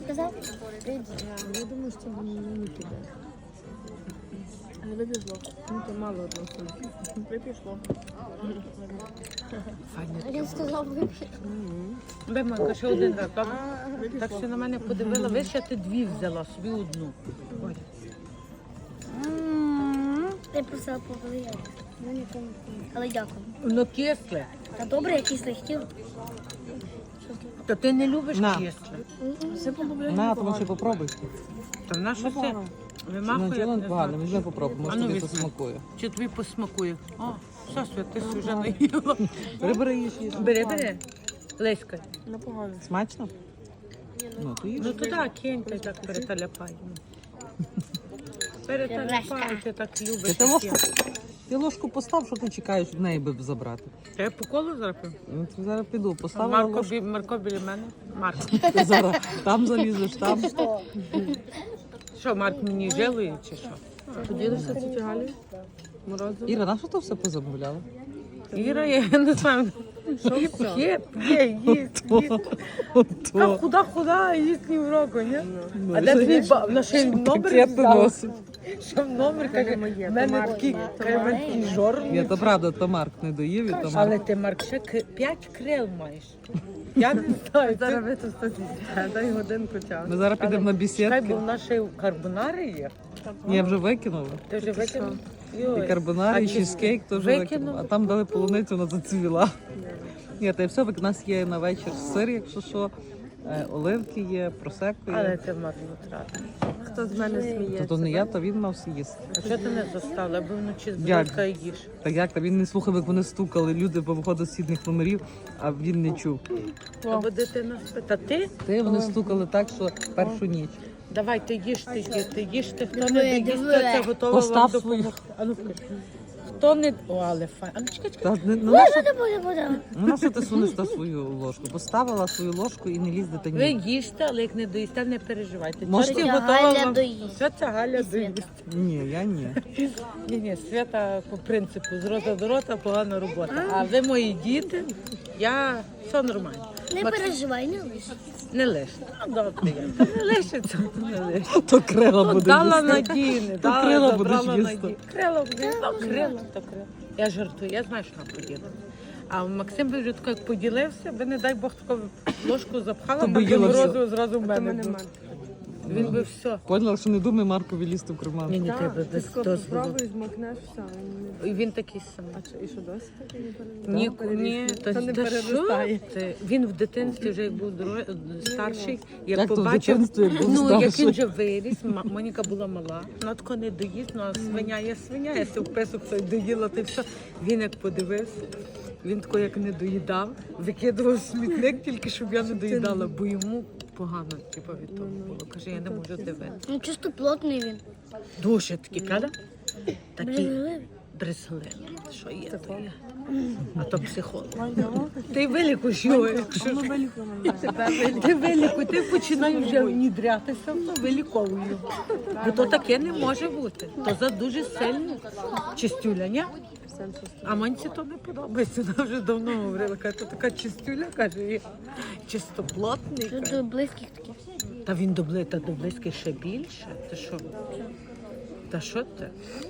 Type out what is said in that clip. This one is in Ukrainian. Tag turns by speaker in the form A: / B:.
A: сказав?
B: Я думаю, що не піде.
C: Не вибіжло.
B: Ну, то мало одного.
C: Випішло.
A: Він сказав, вип'є.
D: Биманка, ще один раз, добре? Так що на мене подивила, ви ще ти дві взяла, собі одну. Ой.
A: Я просила повелияти. Ну, нікому не помню. Але дякую.
D: Воно кисле.
A: Та добре, якийсь не хотів.
D: То ти не любиш
E: На.
D: кисле.
C: Все по-бобляні.
E: На, тому що попробуй.
D: Та в нас що це?
E: Ну,
D: Вимахує,
E: нічого
D: як
E: не
D: не
E: погано,
D: знаю.
E: візьми попробуй, може
D: А ну,
E: тобі
D: візьми.
E: посмакує.
D: Чи тобі посмакує? О, все, Свят, ти вже наїла.
E: Бери, їж, їж.
D: Бери. Леська.
C: Непогано.
E: Смачно? Ну, то їж.
D: Ну туди кинь, ти так переталяпай. Переталяпай, ти так любиш.
E: Ти ложку, ти ложку постав, що ти чекаєш від неї би забрати.
D: Я по колу зараз?
E: Ну, ти зараз піду, поставила ложку,
D: Марко біля мене. Марко.
E: ти зараз там залізеш, там.
D: Що, Марк мені жалує чи що?
C: Поділишся тіті Галі? Морозиво?
E: Іра, на що ти все позамовляла?
D: Іра, я не знаю. П'є, їсть.
E: Ото.
D: Худа, їсть ні в року, ні?
E: Ну,
D: А де твій баб? На ще й номер
E: пакети
D: взяла.
E: носить.
D: Що в номер, каже, в мене такий жор.
E: Ні, то правда, то Марк не доїв, і то
D: Але
E: Марк.
D: ти, Марк, ще 5 крил маєш. Я не знаю,
C: Зараз
D: це...
C: ви тут стоїте, дай годинку часу.
E: Ми зараз підемо на
D: Чекай, бо
E: бесідки.
D: в нас ще й карбонари є.
E: Я вже викинула.
D: Ти вже викинув?
E: І карбонар, і чизкейк теж
D: Викинула?
E: викинула. А там дали полуницю, вона зацвіла. Ні, та й все, у нас є на вечір сир, якщо що, оливки є, просекко
D: Але
E: є.
D: ти марнотратна.
C: Хто з мене сміється?
E: То не я, то він мав з'їсти.
D: А що ти не застала, аби вночі з
E: Як?
D: бродка їш?
E: Так як, та він не слухав, як вони стукали, люди повиходили з східних номерів, а він не чув.
D: Або дитина спить. Та ти?
E: Вони стукали так, що першу ніч.
D: Давай, ти їжте, ти їжте. Хто
A: Диви,
D: не доїсть,
A: диви.
D: це готово
E: Постав
D: вам
E: свою.
D: допомогти. А ну скажи. Хто не... О, але файн. А ну чекай.
E: Та, на що ти сунеш та свою ложку? Поставила свою ложку і не лізь
D: Ви
E: дитині.
D: їжте, але як не доїсте, не переживайте.
E: Може,
D: Тільки
A: Тетя
D: готова
A: Галя
D: вам-
A: доїсть.
D: Що це Галя
A: І Свята.
D: доїсть?
E: Ні, я ні.
D: Ні, Свята по принципу з рота до рота погана робота. А ви мої діти, я все нормально.
A: Не переживай, не лиш.
D: Не лиште. Ну, добре, я. Не лишиться, то не лиште.
E: То крила
D: Ну,
E: буде
D: дала
E: їсти.
D: надійне,
E: То крила будеш
D: забрала
E: їсти.
D: надійне. Крила буде, ну, крила, то крила. Я жартую, я знаю, що вона поділила. А Максим би вже тако, як поділився, би, не дай Бог, таку ложку запхала,
E: То би
D: на
E: їла
D: морозиво
E: все.
D: зразу в
C: Хто
D: мене.
C: мене
D: був.
C: має?
D: Він би все.
E: Поняла, що не думай Маркові лізти в карман.
D: Ні,
C: Так,
D: треба
C: ти
D: без
C: скоро
D: дозволу.
C: спробуй, змокнеш, все.
D: І він такий самий.
C: А що, і що досі таке не
D: Ні,
C: переростає?
D: ні,
C: Це не
D: та
C: переростає.
D: що ти? Він в дитинстві вже як був старший, як
E: Як то в
D: побачив,
E: дитинстві, як був
D: ну як він
E: старший?
D: вже виріс, Моніка була мала, вона тако не доїсть, ну а свиня є свиня, я в песок це доїла, ти все. Він як подивився, він тако як не доїдав, викидував смітник тільки, щоб я не доїдала, бо йому погано типу, від того було. Каже, я не можу дивитися.
A: Ну, чисто плотний він.
D: Дуже такий, правда? Такий
A: Брезгливий.
D: брезгливий. Що є, то є. А то психолог. Ти вилікуєш його, якщо ж. Ти вилікуй, ти починаєш вже внідрятися, то виліковуй його. Бо то таке не може бути. То за дуже сильно чистюля, ні? А Манці то не подобається. Вона вже давно говорила, каже, то така чистюля, каже, і чистоплотний.
A: Тут
D: каже.
A: до близьких таких.
D: Та він до близьких ще більше. Ти що? Та що ти?